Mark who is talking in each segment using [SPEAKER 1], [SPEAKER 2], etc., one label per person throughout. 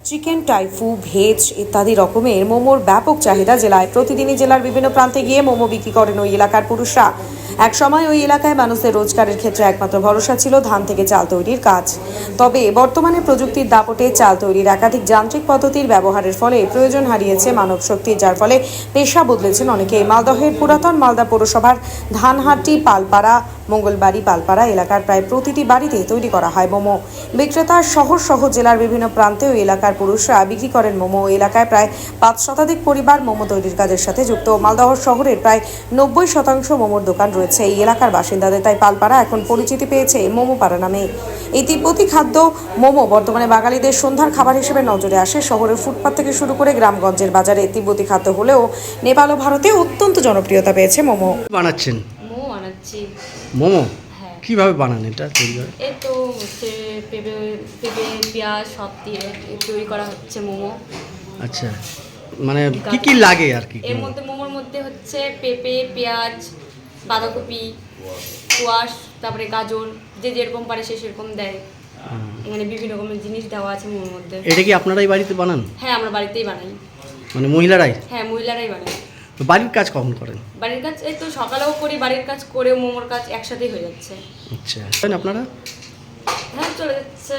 [SPEAKER 1] Chicken, টাইফু, veg ইত্যাদি রকমের মোমোর ব্যাপক চাহিদা জেলায়। প্রতিদিনই জেলার বিভিন্ন প্রান্তে গিয়ে মোমো বিক্রি করেন ওই এলাকার পুরুষরা। এক সময় ওই এলাকায় মানুষের রোজগারের ক্ষেত্রে একমাত্র ভরসা ছিল ধান থেকে চাল তৈরির কাজ। তবে বর্তমানে প্রযুক্তির দাপটে চাল তৈরির একাধিক যান্ত্রিক পদ্ধতির ব্যবহারের ফলে প্রয়োজন হারিয়েছে মানব শক্তি, যার ফলে পেশা বদলেছেন অনেকে। মালদহের পুরাতন মালদা পৌরসভার ধানহাটি, পালপাড়া, মঙ্গলবাড়ি, পালপাড়া এলাকার প্রায় প্রতিটি বাড়িতে তৈরি করা হয় মোমো। বিক্রেতা শহর সহ জেলার বিভিন্ন প্রান্তে ওই এলাকার পুরুষরা বিক্রি করেন মোমো। এলাকায় প্রায় 5 শতাধিক পরিবার মোমো তৈরির কাজের সাথে যুক্ত। মালদহ শহরের প্রায় 90% মোমোর দোকান রয়েছে এই এলাকার বাসিন্দাদের, তাই পালপাড়া এখন পরিচিতি পেয়েছে মোমো পাড়া নামে। এই তিব্বতী খাদ্য মোমো বর্তমানে বাঙালিদের সন্ধ্যার খাবার হিসেবে নজরে আসে। শহরের ফুটপাত থেকে শুরু করে গ্রামগঞ্জের বাজারে তিব্বতী খাদ্য হলেও নেপাল ও ভারতে অত্যন্ত জনপ্রিয়তা পেয়েছে মোমো।
[SPEAKER 2] বানাচ্ছেন
[SPEAKER 3] মোমো বানাচ্ছি।
[SPEAKER 2] মোমো
[SPEAKER 3] হ্যাঁ,
[SPEAKER 2] কিভাবে বানান এটা তৈরি করে?
[SPEAKER 3] এই তো হচ্ছে পেঁপে পেঁপে পেঁয়াজ সব দিয়ে তৈরি করা হচ্ছে মোমো।
[SPEAKER 2] আচ্ছা, মানে কি কি লাগে আর কি?
[SPEAKER 3] এর মধ্যে মোমোর মধ্যে হচ্ছে পেঁপে, পেঁয়াজ, বাঁধাকপি, কোয়াশ, তারপরে গাজর, যে যেরকম পারে সে সেরকম দেয়। মানে বিভিন্ন রকমের জিনিস দেওয়া আছে মোমোর মধ্যে।
[SPEAKER 2] এটা কি আপনারাই বাড়িতে বানান?
[SPEAKER 3] হ্যাঁ, আমরা বাড়িতেই বানাই।
[SPEAKER 2] মানে মহিলারাই?
[SPEAKER 3] হ্যাঁ, মহিলারাই বানাই।
[SPEAKER 2] তো বাড়ির কাজ কখন করেন?
[SPEAKER 3] বাড়ির কাজ এই তো সকালেও করি, বাড়ির কাজ করেও মোমোর কাজ একসাথেই হয়ে যাচ্ছে।
[SPEAKER 2] আচ্ছা, আপনারা
[SPEAKER 3] হ্যাঁ, চলে যাচ্ছে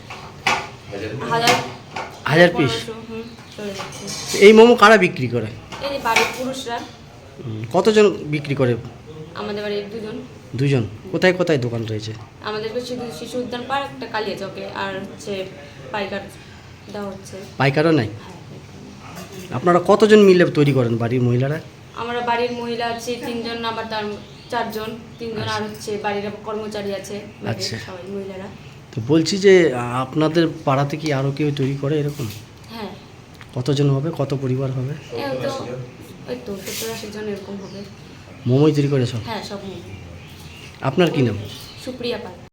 [SPEAKER 3] হাজার
[SPEAKER 2] 1000 পিস?
[SPEAKER 3] 1500, চলে যাচ্ছে।
[SPEAKER 2] এই মোমো কারা বিক্রি করে?
[SPEAKER 3] এই যে বাড়ির পুরুষরা।
[SPEAKER 2] কতজন বিক্রি করে?
[SPEAKER 3] আমাদের বাড়ির দুজন।
[SPEAKER 2] দুজন? কোথায় কোথায় দোকান রয়েছে?
[SPEAKER 3] আমাদের শুধু শিশু উদ্যান পার্ক, একটা কালিয়া চকে, আর হচ্ছে পাইকার দেওয়া হচ্ছে।
[SPEAKER 2] পাইকারও নাই?
[SPEAKER 3] হ্যাঁ,
[SPEAKER 2] আপনারা কতজন মিলে তৈরি করেন বাড়ির মহিলারা?
[SPEAKER 3] আমরা বাড়ির মহিলা আছে 3 জন, আবার তার 4 জন, 3 জন, আর হচ্ছে বাড়ির কর্মচারী আছে
[SPEAKER 2] আচ্ছা।
[SPEAKER 3] সবাই মহিলারা।
[SPEAKER 2] তো বলছি যে আপনাদের পাড়াতে কি আরও কেউ তৈরি করে এরকম?
[SPEAKER 3] হ্যাঁ,
[SPEAKER 2] কতজন হবে, কত পরিবার হবে?
[SPEAKER 3] ওই তো 70-80 জন এরকম হবে।
[SPEAKER 2] মোমোই তৈরি করে সব?
[SPEAKER 3] হ্যাঁ, সব মোমো।
[SPEAKER 2] আপনার কি নাম?
[SPEAKER 3] সুপ্রিয়া পাল।